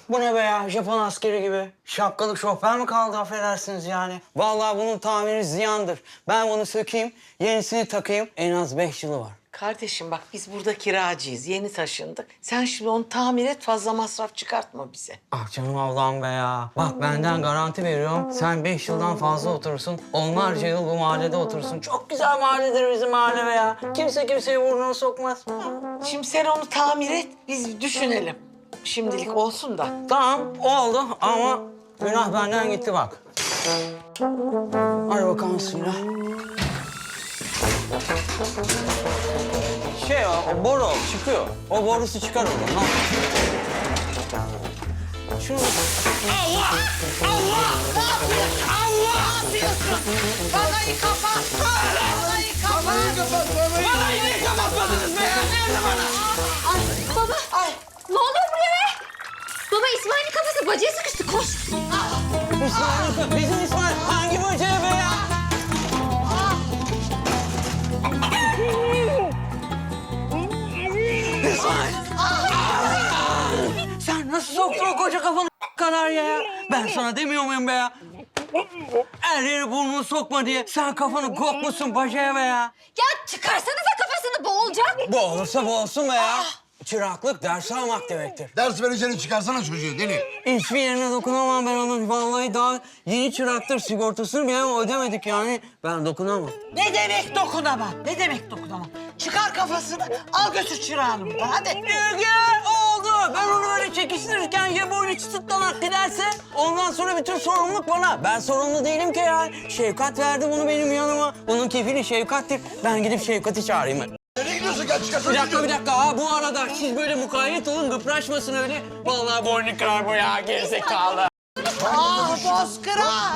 Bu ne be ya? Japon askeri gibi. Şapkalık şoför mü kaldı affedersiniz yani? Vallahi bunun tamiri ziyandır. Ben bunu sökeyim, yenisini takayım. En az 5 yılı var. Kardeşim bak biz burada kiracıyız. Yeni taşındık. Sen şimdi onu tamir et, fazla masraf çıkartma bize. Ah canım Allah'ım be ya. Bak benden garanti veriyorum. Sen 5 yıldan fazla oturursun. Onlarca yıl bu mahallede oturursun. Çok güzel mahalledir bizim mahalle be ya. Kimse kimseyi burnuna sokmaz. Şimdi sen onu tamir et, biz düşünelim. Şimdilik olsun da. Tamam oldu ama günah benden gitti bak. Hadi bakalım suyla. O boru çıkıyor. O borusu çıkar oradan. Şunu... Allah! Allah! Ne yapıyorsun? Allah! Ne yapıyorsun? Vanayı kapat! Vanayı kapat! Vanayı niye kapatmadınız be? Nerede bana? Ay baba. Ay! Ne oluyor buraya be? Baba İsmail'in kafası bacaya sıkıştı. Koş. İsmail, bizim İsmail hangi böceğe be ya? İsmail! Sen nasıl soktun o koca kafanı kadar ya? Ben sana demiyor muyum be ya? Her yere burnunu sokma diye. Sen kafanı kokmuşsun bacaya be ya. Ya çıkarsanıza kafasını boğulacak. Boğulursa boğulsun be ya. Çıraklık ders almak demektir. Ders vereceğini çıkarsana çocuğu deli. Hiçbir yerine dokunamam ben onun. Vallahi daha yeni çıraktır. Sigortasını bile ödemedik yani. Ben dokunamam. Ne demek dokunamam? Ne demek dokunamam? Çıkar kafasını, al götür çırağını buradan. Hadi. Gel oldu. Ben onu böyle çekiştirirken ya boynu çıtlanak giderse ondan sonra bütün sorumluluk bana. Ben sorumlu değilim ki ya. Şevkat verdi bunu benim yanıma. Bunun kefili Şevkat'tir. Ben gidip Şevkat'i çağırayım. Nereye gidiyorsun? Gel çıkarsana Bir dakika çocuğu. bir dakika. Ha, bu arada siz böyle mukayyet olun gıpraşmasın öyle. Vallahi boynu kırar bu ya gerizekalı. Ah bozkıra!